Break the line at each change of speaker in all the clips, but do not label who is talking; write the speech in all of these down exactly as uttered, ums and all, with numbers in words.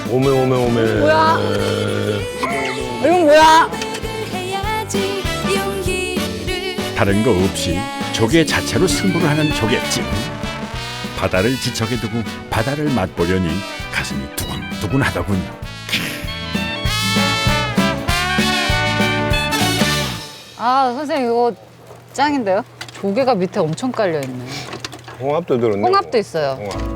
오메 오메 오메.
뭐야? 이건 뭐야?
다른 거 없이 조개 자체로 승부를 하는 조개찜. 바다를 지척에 두고 바다를 맛보려니 가슴이 두근두근하더군요.
아, 선생님 이거 짱인데요? 조개가 밑에 엄청 깔려 있네.
홍합도 들었네.
홍합도 있어요.
홍합.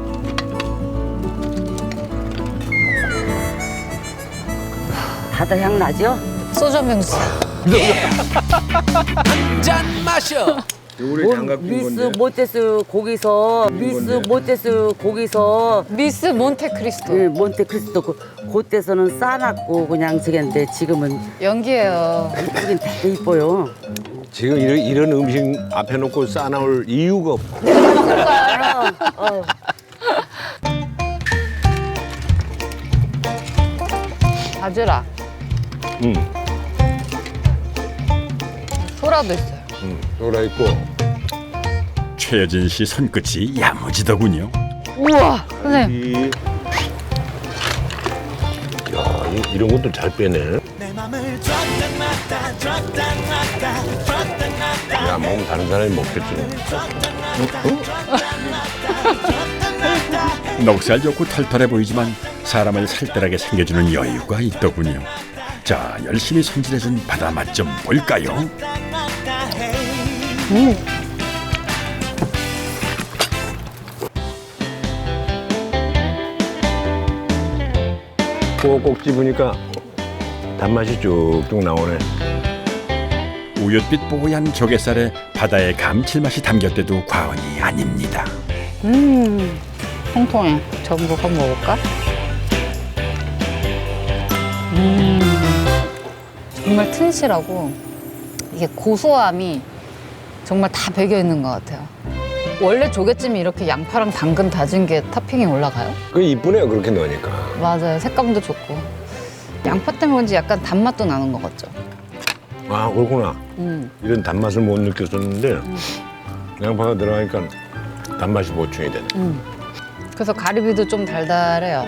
바다 향 나죠?
소주 한 병 주세요.
짠 마셔.
요거를 장갑 낀
미스
건데.
모테스 거기서 미스
건데.
모테스 거기서
미스 몬테크리스토.
그 몬테크리스토 그 그때서는 싸놨고 그냥 저기인데 지금은
연기예요.
이쁘긴 되게 이뻐요.
지금 이런, 이런 음식 앞에 놓고 싸나올 이유가 없고.
어.
바지락,
응.
소라도 있어요.
응. 돌아 있고.
최여진 씨 손끝이 야무지더군요.
우와, 선생님.
이. 야, 이, 이런 것도 잘 빼네. 야, 먹으면 다른 사람이 먹겠지.
넉살 좋고 털털해 보이지만 사람을 살뜰하게 챙겨주는 여유가 있더군요. 자, 열심히 손질해준 바다 맛 좀 볼까요?
음.
꼭꼭 집으니까 단맛이 쭉쭉 나오네.
우윳빛 뽀얀 조갯살에 바다의 감칠맛이 담겼대도 과언이 아닙니다.
음, 통통해. 전복 한번 먹을까? 음, 정말 튼실하고 이게 고소함이 정말 다 배겨 있는 것 같아요. 원래 조개찜이 이렇게 양파랑 당근 다진 게 토핑이 올라가요?
그 이쁘네요, 그렇게 넣으니까.
맞아요. 색감도 좋고. 양파 때문에 그런지 약간 단맛도 나는 것 같죠?
아, 그렇구나.
음.
이런 단맛을 못 느꼈었는데 양파가 들어가니까 단맛이 보충이 되네.
음. 그래서 가리비도 좀 달달해요.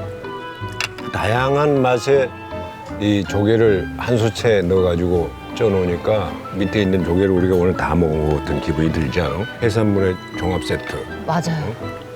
다양한 맛의 이 조개를 한 수채 넣어가지고 쪄놓으니까 밑에 있는 조개를 우리가 오늘 다 먹은 것 같은 기분이 들지 않아? 해산물의 종합 세트.
맞아요.